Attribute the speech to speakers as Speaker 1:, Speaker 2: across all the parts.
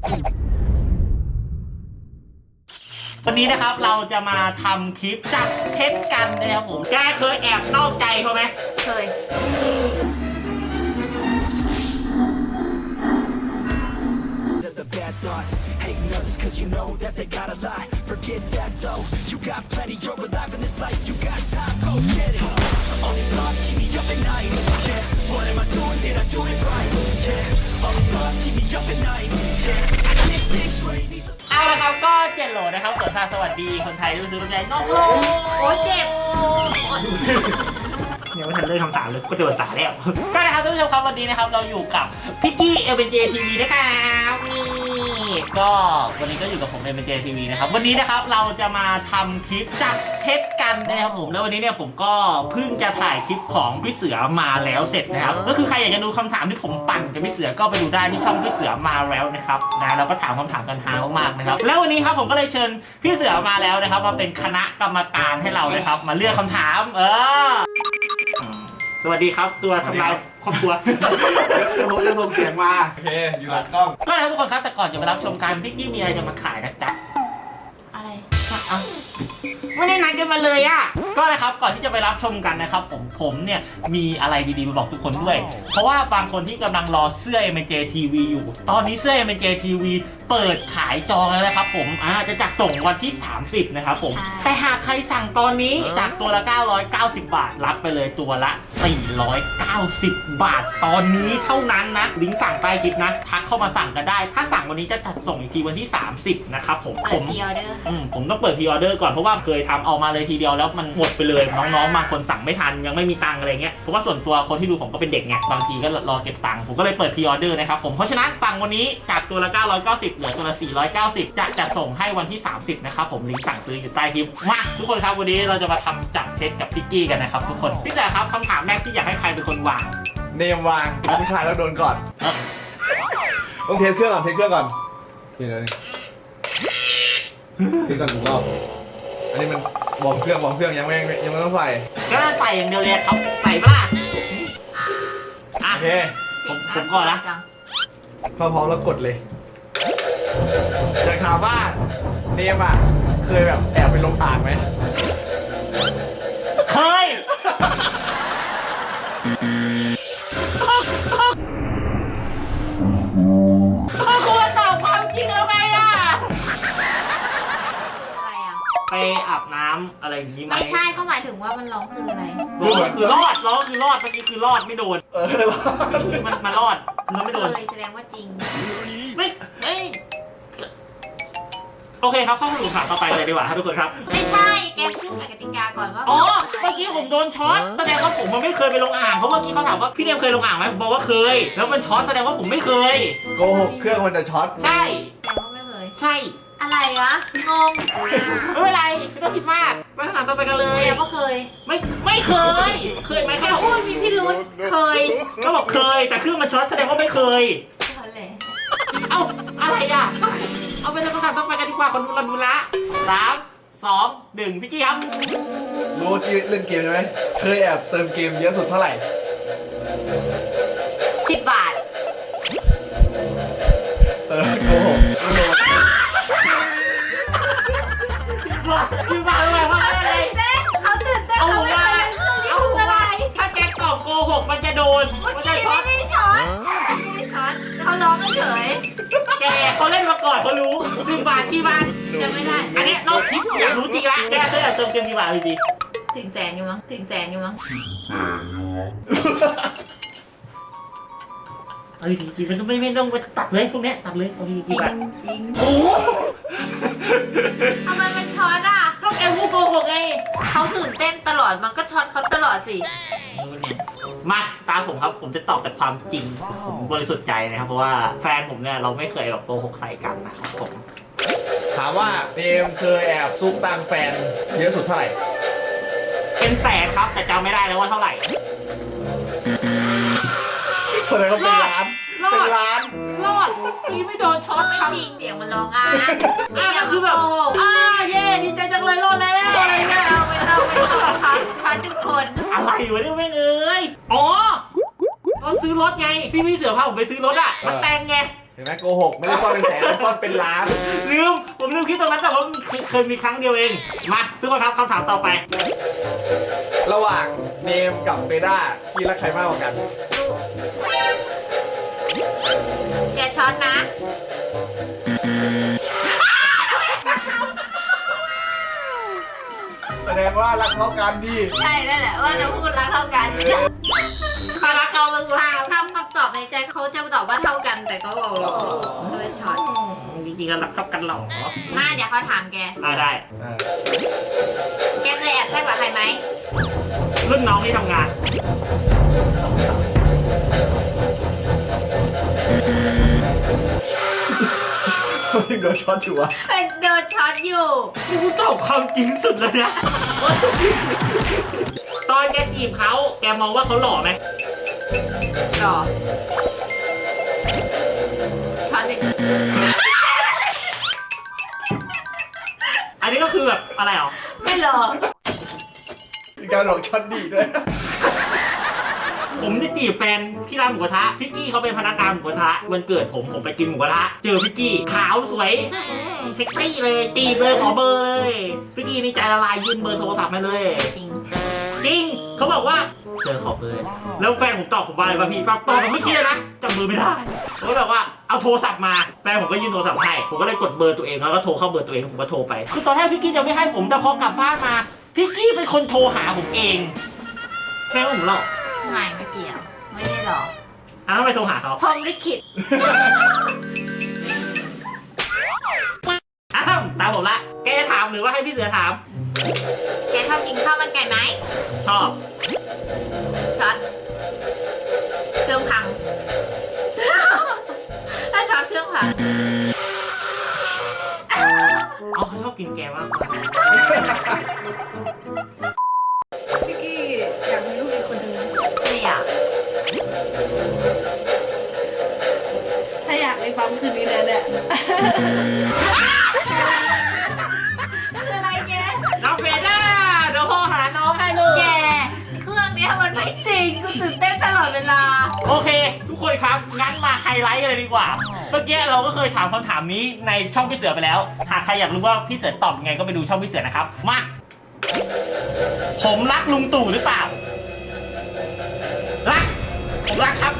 Speaker 1: วันนี้นะครับเราจะมาทำคลิปจับเท็จกันนะครับผมแกเคยแอบนอกใจเขาไหม
Speaker 2: เคย
Speaker 3: The bad thoughts, hating others cause you know that they got a lie. Forget that though, you got plenty, you're alive in this life, you got time, go get it. All these thoughts keep me up at night, yeah. What am I doing, did I do it right, yeah. All these thoughts keep me up at night, yeah. I get big straight, need the
Speaker 1: เอาละครับก็เจนโหลนะครับสวัสดีคนไทยรู้สึกรู้ใจน้องโล
Speaker 2: โอ้ยเจ็บ
Speaker 1: ยังไม่ทันเริ่มคำถามเลยก็โดนสาแล้วก็นะครับท่านผู้ชมครับวันนี้นะครับเราอยู่กับพิกกี้ LBJ TV นะครับนี่ก็วันนี้ก็อยู่กับผม LBJ TV นะครับวันนี้นะครับเราจะมาทำคลิปจับเท็จกันนะครับผมแล้ววันนี้เนี่ยผมก็เพิ่งจะถ่ายคลิปของพี่เสือมาแล้วเสร็จนะครับก็คือใครอยากจะดูคำถามที่ผมปั่นกับพี่เสือก็ไปดูได้ที่ช่องพี่เสือมาแล้วนะครับนะเราก็ถามคำถามกันฮามากๆนะครับแล้ววันนี้ครับผมก็เลยเชิญพี่เสือมาแล้วนะครับมาเป็นคณะกรรมการให้เรานะครับมาเลือกคำถามสวัสดีครับตัวทำลายครอบครัว
Speaker 4: เดี๋ยวผมจะส่งเสียงมาโอเคอยู่หลังกล้อง
Speaker 1: ก็นะครับทุกคนครับแต่ก่อนจะไปรับชมการพิกกี้มีอะไรจะมาขายนะจ๊ะ
Speaker 2: อะไร
Speaker 1: เอาไม่ได้นัดกันมาเลยอ่ะก็นะครับก่อนที่จะไปรับชมกันนะครับผมเนี่ยมีอะไรดีๆมาบอกทุกคนด้วยเพราะว่าบางคนที่กำลังรอเสื้อ MJ TV อยู่ตอนนี้เสื้อ MJ TV เปิดขายจองแล้วนะครับผมจะจัดส่งวันที่30นะครับผมแต่หากใครสั่งตอนนี้จากตัวละ990 บาทรับไปเลยตัวละ490 บาทตอนนี้เท่านั้นนะลิงก์สั่งใต้คลิปนะทักเข้ามาสั่งกันได้ถ้าสั่งวันนี้จะจัดส่งอีกทีวันที่30นะครับผม
Speaker 2: เปิดพรีออเดอร์
Speaker 1: ผมต้องเปิดพรีออเดอร์ก่อนเพราะว่าเคยทำออกมาเลยทีเดียวแล้วมันหมดไปเลยน้องๆบางคนสั่งไม่ทันยังไม่มีตังค์อะไรเงี้ยเพราะว่าส่วนตัวคนที่ดูผมก็เป็นเด็กไงบางทีก็รอเก็บตังค์ผมก็เลยเปิดพรีออเดอร์นะครับผมเพราะฉะนั้นสั่งวันนี้จากตัวละ990เหลือตัวละ490จะจัดส่งให้วันที่30นะครับผมลิงก์สั่งซื้ออยู่ใต้คลิปมาทุกคนครับวันนี้เราจะมาทำจับเท็จกับพิกกี้กันนะครับทุกคนพี่แต่ครับคำถามแรกที่อยากให้ใครเป็นคนวาง
Speaker 4: เนมวางผู้ชายแล้วโดนก่อนต้องเทสเครื่องก่อนเทสเครื่องก่อนเทสเลยเทสก่อน1 รอบอันนี้มันวอร์มเครื่องยังไม่ต้องใส่
Speaker 1: ก็ใส่อย่างเดียวเลยครับใส่ปะล่ะโอเคผมก่อนนะ
Speaker 4: พร้อมแล้วกดเลยอยากถามว่าเนมอ่ะเคยแบบแอบไปลงอ่างไหม
Speaker 1: เคยควรตอบความจริงแล้วไงอ่ะ
Speaker 2: อะไรอ่ะ
Speaker 1: ไปอาบน้ำอะไรอย่างนี้ไหม
Speaker 2: ไม่ใช่เขาหมายถึงว่ามันร้องคืออะไร
Speaker 1: ร้องคือรอดเมื่อกี้คือรอดไม่โดนคือมันรอดคือไม่โดน
Speaker 2: เลยแสดงว่าจริง
Speaker 1: ไม่โอเคครับเข้าสู่คำถามต่อไปเลยดีกว่าครับทุกคนครับ
Speaker 2: ไม่ใช่แกพูดกับกติกาก่อนว่า
Speaker 1: อ๋อเมื่อกี้ผมโดนช็อตแสดงว่าผมมันไม่เคยไปลงอ่างเพราะเมื่อกี้เขาถามว่าพี่เนมเคยลงอ่างไหมผมบอกว่าเคยแล้วมันช็อตแสดงว่าผมไม่เคย
Speaker 4: โกหกเครื่องมันจะช็อต
Speaker 1: ใช่
Speaker 2: แสดงว่าไม่เคย
Speaker 1: ใช่
Speaker 2: อะไรวะงง
Speaker 1: ไม่เป็นไรไม่ต้องคิดมากไปคำถามต่อไปกันเลย
Speaker 2: แกก็เคย
Speaker 1: ไม่เคยไหม
Speaker 2: แกพูดมีพิรุธเคย
Speaker 1: ก็บอกเคยแต่เครื่องมันช็อตแสดงว่าไม่เคยเอ้าอะไรอ่ะเอาไปเลยคำถามต่อไปกันดีกว่าคนเราดูละ3 2 1พี่กี้ครับ
Speaker 4: รู้ว่าเล่นเกมใช่ไหมเคยแอบเติมเกมเยอะสุดเท่าไหร่
Speaker 2: 10 บาท
Speaker 4: โกหก
Speaker 1: 10 บาทอะไรวะอะไร
Speaker 2: เขาตื่นเต้นเขาไม่เคยเล่นเครื่องนี้คืออะไร
Speaker 1: ถ้าแกตอบโกหกมันจะโดน
Speaker 2: มันจะช็อตไม่ได้ช็อตเขาร้องเฉย
Speaker 1: แกเขาเล่นมาก่อนเขารู้10 บาทที่บ้าน
Speaker 2: จะไม่ได้
Speaker 1: อันนี้นอกคลิปอยากรู้จริงละแกเคยเติมเกมกี่บาทดี
Speaker 2: ถึงแสนอยู่มั้ง
Speaker 1: เอาดีๆมันไม่ต้องไปตัดเลยพวกนี้ตัดเลยเอาดีๆกี่บาท
Speaker 2: จริง
Speaker 1: โอ้
Speaker 2: ทำไมมันช็อตอ่ะ
Speaker 1: ก็แกพูดโกหกไง
Speaker 2: เขาตื่นเต้นตลอดมันก็ช็อตเขาตลอดสิ
Speaker 1: มาตามผมครับผมจะตอบแต่ความจริงผมบริสุทธิ์ใจนะครับเพราะว่าแฟนผมเนี่ยเราไม่เคยแบบโกหกใส่กันนะครับผม
Speaker 4: ถามว่าเนมเคยแอบซุกตังแฟนเยอะสุดเท่าไหร่
Speaker 1: เป็นแสนครับแต่จำไม่ได้แล้วว่าเท่าไหร่
Speaker 4: แสดงว่าเป็นล้าน
Speaker 1: รอดนี่ไม่โดนช็อต
Speaker 2: ครับจริงเสียงมันร้อง
Speaker 1: ก็คือแบบเย่ดีใจจังเลยรอดแล้วอะไรเงี้ย
Speaker 2: ไม่ต้องพันทุกคน
Speaker 1: อะไรวะเนี่ยไม่เอ้ยอ๋อตอนซื้อรถไงพี่เสือพาผมไปซื้อรถอ่ะมันแต่งไง
Speaker 4: เห็นไหมโกหกไม่ได้ซ่อนเป็นแสนซ่อนเป็นล้าน
Speaker 1: ผมลืมคิดตรงนั้นแต่ว่าเคยมีครั้งเดียวเองมาทุกคนครับคำถามต่อไป
Speaker 4: ระหว่างเนมกับเฟด้าพี่รักใครมากกว่ากัน
Speaker 2: อย่าช้อนนะ
Speaker 4: แสดงว่ารักเท่ากันดิ
Speaker 2: ใช่นั่นแหละว่าจะพูดรักเท่ากัน
Speaker 1: ใครรักเขาบ้างล่ะ
Speaker 2: คำตอบในใจเขาจะตอบว่าเท่ากันแต่ก็บอกหลอกลูกก็เลยช็อต
Speaker 1: จริงๆก็รักเท่ากันหรอ
Speaker 2: มาเดี๋ยวเขาถามแก
Speaker 1: ได้
Speaker 2: แกเคยแอบแซกกับใครไหม
Speaker 1: รุ่นน้องที่ทำงาน
Speaker 4: เขายังโดนช็อตอยู่วะ
Speaker 2: เป็นโดนช็อตอยู่
Speaker 1: กูตอบความจริงสุดเลยนะ ตอนแกจีบเขาแกมองว่าเขาหล่อไหม
Speaker 2: หรอช็อตอีก
Speaker 1: อันนี้ก็คือแบบอะไรหรอ
Speaker 2: ไม่หรอ
Speaker 4: มีการหลอกช็อตดีด้วย
Speaker 1: ผมจะจีบแฟนที่ร้านหมูกระทะพี่กี้เขาเป็นพนักงานหมูกระทะวันเกิดผมไปกินหมูกระทะเจอพี่กี้ขาวสวยเซ็กซี่เลยจีบเลยขอเบอร์เลยพี่กี้นี่ใจละลายยื่นเบอร์โทรศัพท์มาเลย
Speaker 2: จริง
Speaker 1: จริงเขาบอกว่าเจอขอเบอร์แล้วแฟนผมตอบผมว่าอะไรป่ะพี่ตอบผมไม่คิดเลยนะจำเบอร์ไม่ได้ผมก็แบบว่าเอาโทรศัพท์มาแฟนผมก็ยื่นโทรศัพท์ให้ผมก็เลยกดเบอร์ตัวเองแล้วก็โทรเข้าเบอร์ตัวเองผมก็โทรไปคือตอนแรกพี่กี้จะไม่ให้ผมแต่พอกลับบ้านมาพี่กี้เป็นคนโทรหาผมเองแฟนผมหรอก
Speaker 2: ไม่เกี่ยว ไม่ได้หรอก
Speaker 1: ทำไมโทรหาเขา
Speaker 2: พรหมลิขิต
Speaker 1: อ้าวตามผมละแกจะถามหรือว่าให้พี่เสือถาม
Speaker 2: แกชอบกินข้าวมันไก่ไหม
Speaker 1: ชอบ
Speaker 2: ช็อตเครื่องพัง ถ้าช็อตเครื่องพัง
Speaker 1: เอาเขาชอบกินแกมากกว่า
Speaker 5: พี่กี้อยากมีลูกอีกคนนึงไหม
Speaker 2: ไม่อยาก
Speaker 5: ถ้าอยากในปั๊มคืนนี้แน่
Speaker 2: คืออะไรแก
Speaker 1: น้องเฟด้าเดี๋ยวโทรหาน้องให้ลูก
Speaker 2: แก เครื่องเนี้ยมันไม่จริง กูตื่นเต้นตลอดเวลา
Speaker 1: โอเค ทุกคนครับงั้นมาไฮไลท์กันเลยดีกว่าเมื่อกี้เราก็เคยถามคำถามนี้ในช่องพี่เสือไปแล้วหากใครอยากรู้ว่าพี่เสือตอบยังไงก็ไปดูช่องพี่เสือนะครับมาผมรักลุงตู่หรือเปล่ารักผมรักครับ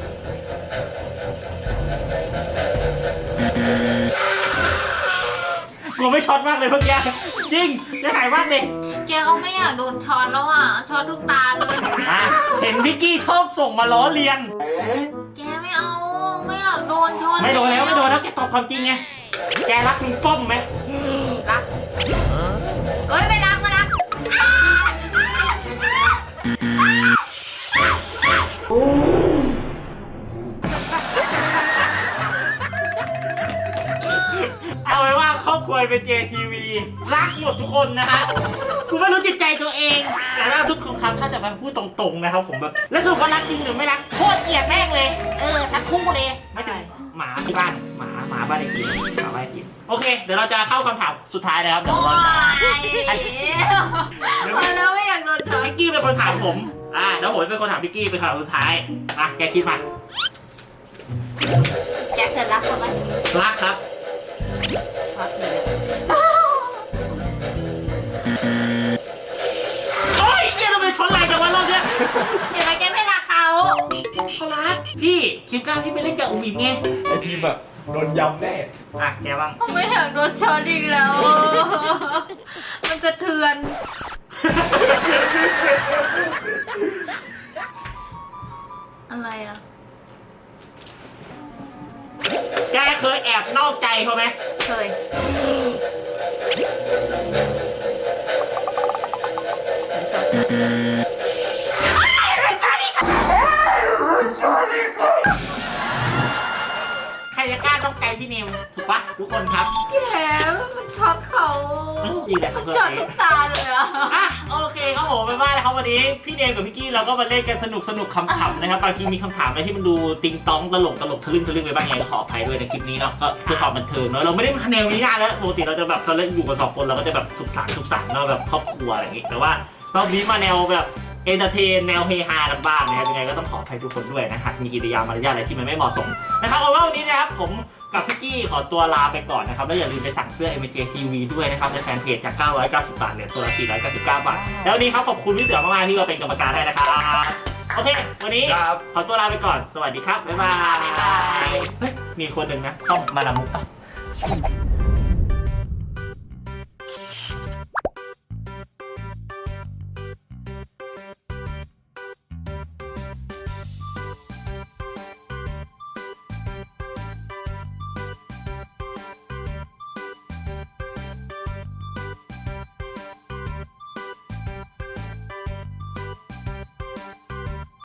Speaker 1: กลัวไม่ช็อตมากเลยเมื่อกี้จริงจะหายมากเลย
Speaker 2: แกก็ไม่อยากโดนช็อตแล้วอ่ะ ช็อตทุกตาเลย
Speaker 1: อ่ะเห็นพิกกี้ชอบส่งมาล้อเลียน
Speaker 2: แกไม่เอา ไม่อยากโดนช็อต
Speaker 1: ไม่โดนแล้วไม่โดนแล้วแกตอบความจริงไงแกรักลุงป้อมไหม
Speaker 2: รักเอ้ยไม่รักไม่รัก
Speaker 1: เอาไว้ว่าครอบครัวเป็น JTV รักหมดทุกคนนะฮะกูไม่รู้จิตใจตัวเอง แต่ถ้าทุกคนครับถ้าจะมาพูดตรงๆนะครับผมแบบแล้วสรุปว่ารักจริงหรือไม่รักโคตรเกลียดแม่งเลยทั้งคู่เลยไม่ถึงหมาที่บ้านหมาบ้านไอ้ทีหมาบ้านไอ้ทีโอเค เดี๋ยวเราจะเข้าคำถามสุดท้ายนะครับเดี๋ยวเราจะ
Speaker 2: พอแล้วไม่อยากโดนช็อต
Speaker 1: พิกกี้เป็นคนถามผมเดี๋ยวผมเป็นคนถามพิกกี้เป็นคำถามสุดท้ายแกคิดมา
Speaker 2: แกเคยรักเขาไหม
Speaker 1: รักครับ
Speaker 2: ช็อตเลย
Speaker 1: โอ้ยเฮียทำไมชนไหลจังวะรอบเนี้ย
Speaker 2: เห็นไหมแกไม่รักเขา
Speaker 1: เขารักพี่คลิปหน้าพี่ไปเล่นกับอุ้มอิ่มไง
Speaker 4: ไอทีมแบบโดนยำแน่
Speaker 1: แกบ้าง
Speaker 2: ไม่อยากโดนช็อตอีกแล้ว มันสะเทือน อะไรอ่ะ
Speaker 1: แกเคยแอบนอกใจเขาไหม
Speaker 2: เคยช็อต
Speaker 1: ใครจะกล้านอกใจพี่เนมถูกปะทุกคนครับ
Speaker 2: แกมันช็อตเขา
Speaker 1: จริงแหละ
Speaker 2: มันช็อตทุกตาเลยอ่ะ
Speaker 1: โอเคครับผมไปบ้านนะครับวันนี้พี่เนมกับพี่กี้เราก็มาเล่นกันสนุกขำๆนะครับบางทีมีคำถามอะไรที่มันดูติงต้องตลกทะลึ่งไปบ้างไงก็ขออภัยด้วยในคลิปนี้เนาะก็เพื่อความบันเทิงเนาะเราไม่ได้มาแนวนี้นานแล้วปกติเราจะแบบตอนเล่นอยู่กัน2 คนเราก็จะแบบสุขสันต์เนาะแบบครอบครัวอะไรอย่างงี้แต่ว่ารอบนี้มาแนวแบบเอนเตอร์เทนแนวเฮฮากันบ้างนะครับยังไงก็ต้องขออภัยทุกคนด้วยนะหากมีกิริยามารยาทอะไรที่มันไม่เหมาะสมนะครับเอาว่าวันนี้นะครับผมกับพี่กี้ขอตัวลาไปก่อนนะครับแล้วอย่าลืมไปสั่งเสื้อ MJ TV ด้วยนะครับในแฟนเพจจาก990 บาทเหลือตัวละ499 บาทแล้ววันนี้ครับขอบคุณพี่เสือมากๆที่มาเป็นกรรมการให้นะครับโอเควันนี้
Speaker 4: ครับ
Speaker 1: ขอตัวลาไปก่อนสวัสดีครับบ๊ายบาย
Speaker 2: บ๊ายบาย
Speaker 1: เฮ้ยมีคนหนึ่งนะช่องมาลามุกปะ